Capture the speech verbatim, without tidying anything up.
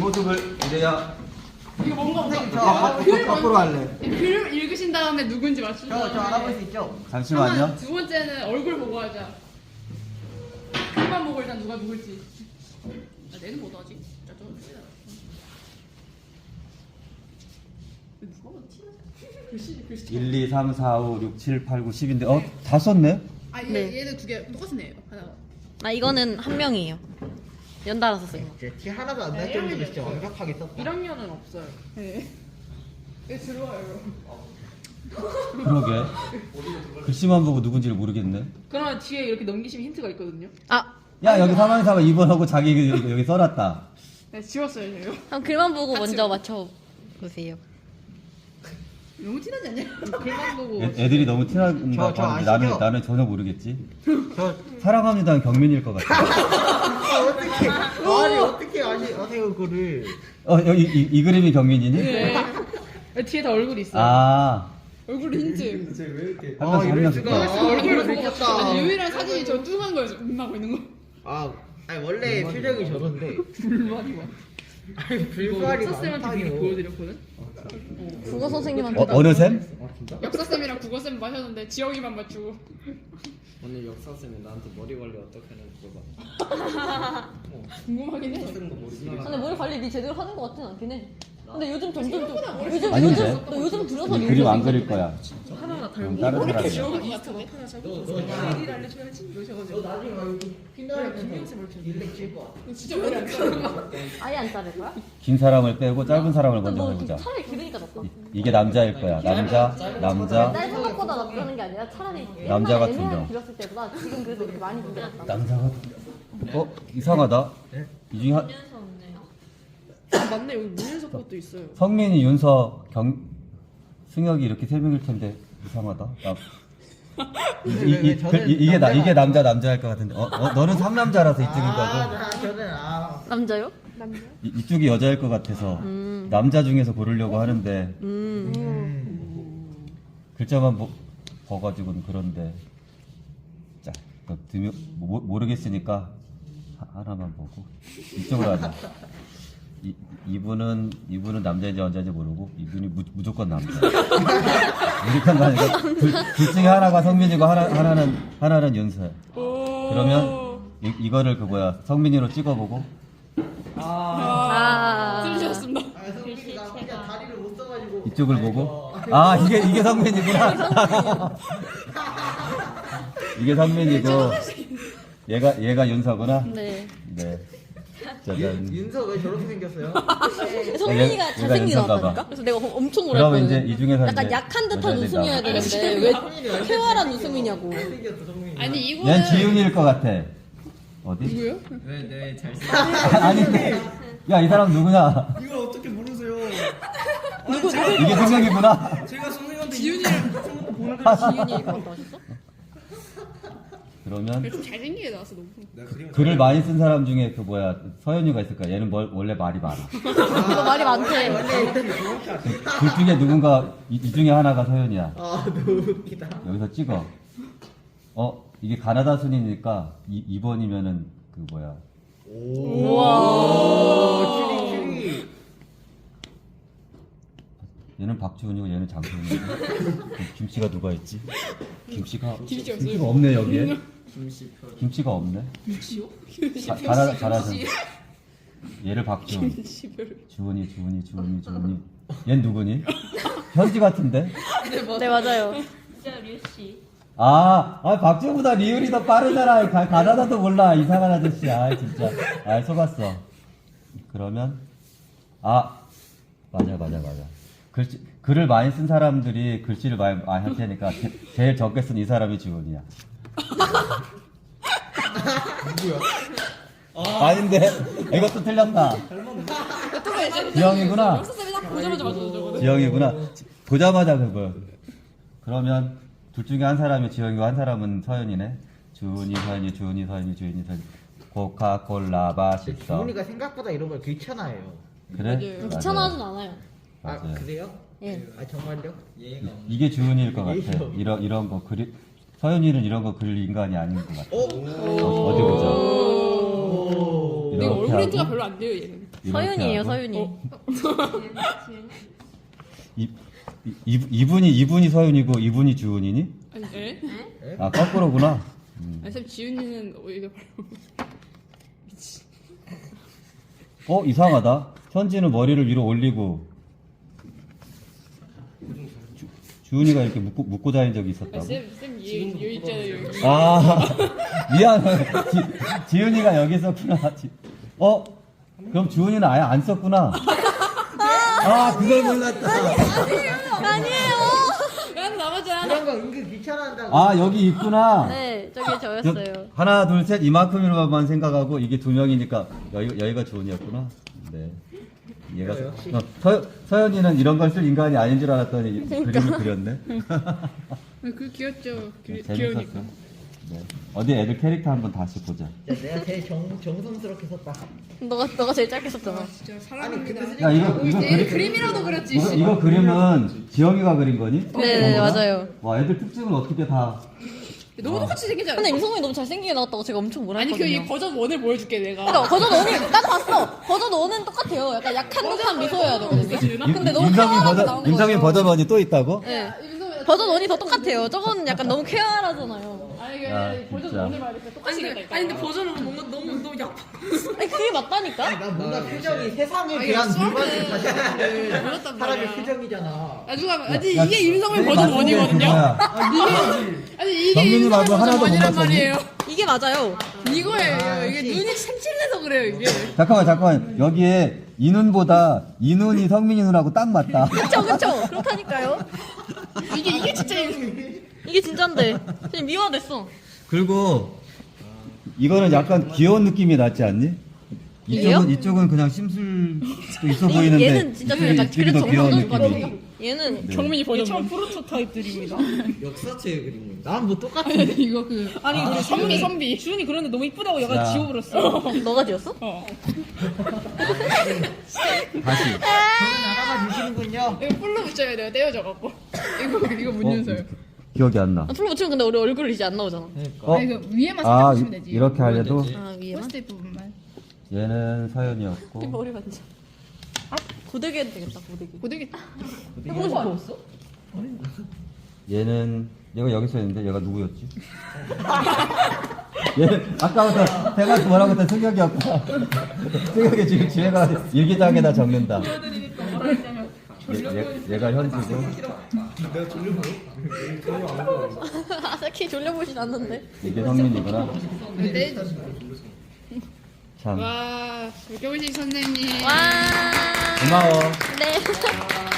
모습을 이래야 이거 뭔가 선생님 저 아, 알아볼 수 거꾸로, 있죠? 거꾸로 할래. 글 읽으신 다음에 누군지 맞추는 저, 저 알아볼 수 있죠? 잠시만요. 두 번째는 얼굴 보고 하자. 글만 보고 일단 누가 누굴지. 아, 내는 못 하지. 진짜 저 누가 봐도 티나지? 글씨 글씨. 일, 이, 삼, 사, 오, 육, 칠, 팔, 구, 십인데 어? 다 썼네? 아 얘, 네. 얘는 두 개 똑같은 애예요. 하나. 아 이거는 한 명이에요. 연달아서 쓴 거. 제 티 하나도 안 날 정도로 진짜 완벽하게 썼다. 일 학년은 없어요. 네. 얘 들어와요. 그러게. 글씨만 보고 누군지를 모르겠네. 그러면 뒤에 이렇게 넘기시면 힌트가 있거든요. 아 야 여기 삼 번 삼 번 이 번 하고 자기 여기, 여기 써놨다. 네 지웠어요 제가. 그럼 글만 보고 같이 먼저 봐. 맞춰 보세요. 너무 티나지 않냐? 글만 보고 애, 애들이 너무 티나는 저- 거 저 같은데 아시죠? 나는, 나는 전혀 모르겠지. 저 사랑합니다는 경민일 것 같아. 아, 어떻게 아니 어떻게 아시 아세요 그거를? 어 여기 이, 이 그림이 경민이니? 네. 뒤에 다 얼굴이 있어요. 아 얼굴 힌트. 한 아 명씩 한 이럴 명씩. 수가. 더. 아, 얼굴을 얼굴 보고 미쳤다. 아니 유일한 사진이 저 뚱한 거예요. 음 하고 있는 거. 아 아니 원래 표정이 저런데. 불만이 많아. 아니 이거 불발이 석쌤한테 미리 많다뇨. 보여드렸거든. 국어 선생님한테 어, 어느 셈? 역사 쌤이랑 국어 쌤 마셨는데 지영이만 맞추고. 오늘 역사쌤이 나한테 머리 관리 어떻게 하는지 물어봐. 궁금하긴 해. 쓰는 거 모르지. 근데 머리 관리 니 제대로 하는 것 같진 않긴 해. 근데 요즘 점점 좀 요즘 아닌데? 요즘 너 요즘 들어서 이 그림 안 그릴 거야. 하나하나 그럼 달고. 다른 사람이야. 지영이 것 같은데. 하나 잡고. 일일 알려줘야지. 이러셔가지고. 너 나중에 막 여기 핀다리면서 김영쌤 이렇게. 일렉 칠 거야. 진짜 머리 안 자르고. 아예 안 자를 거야? 긴 사람을 빼고 짧은 사람을 먼저 너 해보자. 차라리 기르니까 낫다. 이, 이게 남자일 거야. 남자, 남자, 짧은 것보다 낫다는 게 아니라 차라리 남자 옛날에 같은 애매하게 경. 길었을 때보다 지금 그래도 이렇게 많이 긴게 낫다. 남자가. 어 이상하다. 이 중에 한, 아, 맞네. 여기 문현석 것도 있어요. 성민이, 윤서, 경, 승혁이 이렇게 세 명일 텐데 이상하다. 나, 이, 이, 이, 그, 이, 이게 나 이게 남자 남자일 것 같은데. 어, 어 너는 삼남자라서 이쪽인 거고. 아 저는 아 남자요? 이, 이쪽이 여자일 것 같아서 음. 남자 중에서 고르려고 하는데 음. 글자만 보, 봐가지고는 그런데 자 그, 드묘, 모, 모르겠으니까 하, 하나만 보고 이쪽으로 하자. 이, 이분은 이분은 남자인지 여자인지 모르고 이분이 무, 무조건 남자. 무조건 남자. 둘, 둘 중에 하나가 성민이고 하나 하나는 하나는 윤서야. 그러면 이, 이거를 그 뭐야 성민이로 찍어보고 아. 들으셨습니다. 아 성민이가 혼자 다리를 못 써가지고 이쪽을 보고 아 이게 이게 성민이구나. 이게 성민이고 얘가 얘가 윤서구나. 네. 네. 짜잔. 윤서 왜 저렇게 생겼어요? 성민이가 얘가 잘생긴 것 윤서인가 같다니까? 봐. 그래서 내가 엄청 그러면 놀랐거든. 이제 이 중에서 약간 이제 약한 듯한 여자애들 웃음이어야 나와. 되는데 왜 쾌활한 웃음이냐고. 잘생겼어 성민이. 아니 이거는 얘는 지훈이일 것 같아. 어디? 누구요? 왜내 잘생? 아니, 야, 이 사람 누구냐? 이걸 어떻게 모르세요? 누구 누구? 이게 승혁이구나. 제가 선생님한테 지윤이랑 지윤이 그런 거 하셨어? 그러면 좀 잘생기게 나왔어 너무. 내가 그림 글을 많이 쓴 사람 중에 그 뭐야 서현이가 있을 거야. 얘는 뭘, 원래 말이 많아. 이거 말이 많대. 둘 중에 누군가 이, 이 중에 하나가 서현이야. 아 너무 웃기다. 여기서 찍어. 어, 이게 가나다 순이니까 이 번이면은 그 뭐야? 우와. 추리 추리. 얘는 박주훈이고 얘는 장소훈이고. 김씨가 누가 있지? 김씨가 김씨 없어요? 김씨가 없네 여기에. 김씨표 김씨가 없네. 김치요? 자, 잘하 잘하죠. 얘를 박주훈. 시별. 주훈이 주훈이 주훈이 주훈이. 얜 누구니? 현지 같은데? 네 맞아요. 아, 아 박주훈보다 리을이 더 빠르잖아. 가, 가나다도 몰라. 이상한 아저씨. 아 진짜. 아 속았어. 그러면 아 맞아 맞아 맞아. 글씨 글을 많이 쓴 사람들이 글씨를 많이 많이 할 테니까 제, 제일 적게 쓴 이 사람이 주훈이야. 누구야? 아닌데 이것도 틀렸다. 지영이구나. 역사 쌤이 딱 보자마자 맞췄어 저거는. 지영이구나. 보자마자 그거. 그러면 둘 중에 한 사람이 지영이고 한 사람은 서현이네. 주은이 서현이 주은이 서현이 주은이 서현이. 코카콜라 맛있어. 주은이가 생각보다 이런 걸 귀찮아해요. 그래? 맞아요. 귀찮아하진 않아요. 아 맞아요. 그래요? 예. 아 정말요? 예의가 없네. 이게 주은이일 것 같아. 이런 이런 거 그리 서현이는 이런 거 그릴 인간이 아닌 것 같아. 어? 어, 어디 보자. 오. 근데 이렇게 얼굴 인트가 하고 별로 안 돼요 얘는. 이렇게 서윤이에요, 하고. 서윤이. 어. 이, 이, 이- 이분이 이분이 서윤이고 이분이 주은이니? 아니 에? 아 거꾸로구나. 음. 아니 쌤 지훈이는 오히려 바로 어 이상하다. 현지는 머리를 위로 올리고 주, 주은이가 이렇게 묶고, 묶고 다닌 적이 있었다고? 쌤쌤 여기 있잖아요 여기. 아 미안해. 지, 지은이가 여기 있었구나. 지, 어 그럼 주은이는 아예 안 썼구나. 아 그걸 몰랐다. 아니에요. 난 나머지야. 그런 거 은근 귀찮아한다고. 아 여기 있구나. 네, 저게 저- 저였어요. 하나 둘 셋 이만큼으로만 생각하고 이게 두 명이니까 여기, 여기가 주은이었구나. 네. 얘가 어, 역시. 어, 서, 서연이는 이런 걸 쓸 인간이 아닌 줄 알았더니 그림을 그렸네. 그 귀엽죠. 귀, 재밌었어. 귀여우니까. 네. 어디 애들 캐릭터 한번 다시 보자. 야, 내가 제일 정, 정성스럽게 썼다. 너가 너가 제일 짧게 썼잖아. 진짜 아니 사랑합니다. 근데 야 이거 이거 얘 그리, 그림이라도 그렸지. 이거, 씨. 이거 그림은 지영이가 그린 거니? 네, 네, 맞아요. 와 애들 특징을 어떻게 다. 너무 똑같이 생기지 않아? 근데 임성훈이 너무 잘생기게 나왔다고 제가 엄청 뭐라 아니 했거든요. 그이 버전 원을 보여줄게 내가. 그러니까 버전 원이 나도 봤어. 버전 원은 똑같아요. 약간 약한 듯한 미소여야 되거든요. 임- 근데 너무 임성민 쾌활하게 버전 나오는 임성민 거예요. 버전 원이 또 있다고? 네. 버전 원이 더 똑같아요. 저거는 약간 너무 쾌활하잖아요. 아니 그 야, 버전 진짜. 원을 말했어. 똑같이 생겼다니까. 아니 근데 버전은 뭔가 너무 너무 약. 아니 그게 맞다니까? 난 뭔가 표정이 세상에 아, 대한 이거 물건을 다시 하는 몰랐단 사람의 말이야. 표정이잖아. 아 누가 아니 야, 이게 임성민 내가 버전 말씀드린 원이거든요. 거야. 아니 이게 정민이 임성민 말고 버전 하나도 못 원이란 맞췄니? 말이에요. 이게 맞아요. 이거예요. 아, 이게 역시. 눈이 색칠내서 그래요 이게. 잠깐만 잠깐만 여기에 이 눈보다 이 눈이 성민이 눈하고 딱 맞다. 그쵸 그쵸. 그렇다니까요. 이게 이게 진짜 임성민. 이게 진짠데. 지금 미화됐어. 그리고 이거는 약간 귀여운 느낌이 낫지 않니? 이쪽은 얘요? 이쪽은 그냥 심술도 있어 얘- 보이는데 얘는 진짜 좀 약간 이쪽이 더 그래도 귀여운 정상적인 것 느낌이. 같아요. 얘는 네. 경민이 버전 원. 프로토타입들입니다. 역사체 그림입니다. 난 뭐 똑같아. 아니 이거 그 아니 우리 선비 선비. 주은이 그런데 너무 이쁘다고 야. 얘가 지워버렸어. 너가 지었어? 어. 다시. 저는 하나만 주시는군요. 이거 풀로 붙여야 돼요. 떼어져 갖고. 이거 이거 어, 문윤서요. 기억이 안 나. 아, 풀로 붙이면 근데 우리 얼굴 이제 안 나오잖아. 어? 아 이거 위에만 살짝 아 보시면 되지. 이렇게 하려도 아 위에만? 포스트잇 부분만. 얘는 이 서연이었고 머리 만져. 아 고데기 해도 되겠다 고데기. 고데기. 해보고 싶어. 얘는 얘가 여기 서 있는데 얘가 누구였지? 얘는 아까부터 내가 뭐라고 했던 승혁이었구나. 승혁이 지금 집에가 일기장에다 적는다. 얘, 얘, 얘가 현지고 아사키 졸려보진 않는데. 이게 성민이구나. 네. 참 와, 백경식 선생님. 와. 고마워. 네.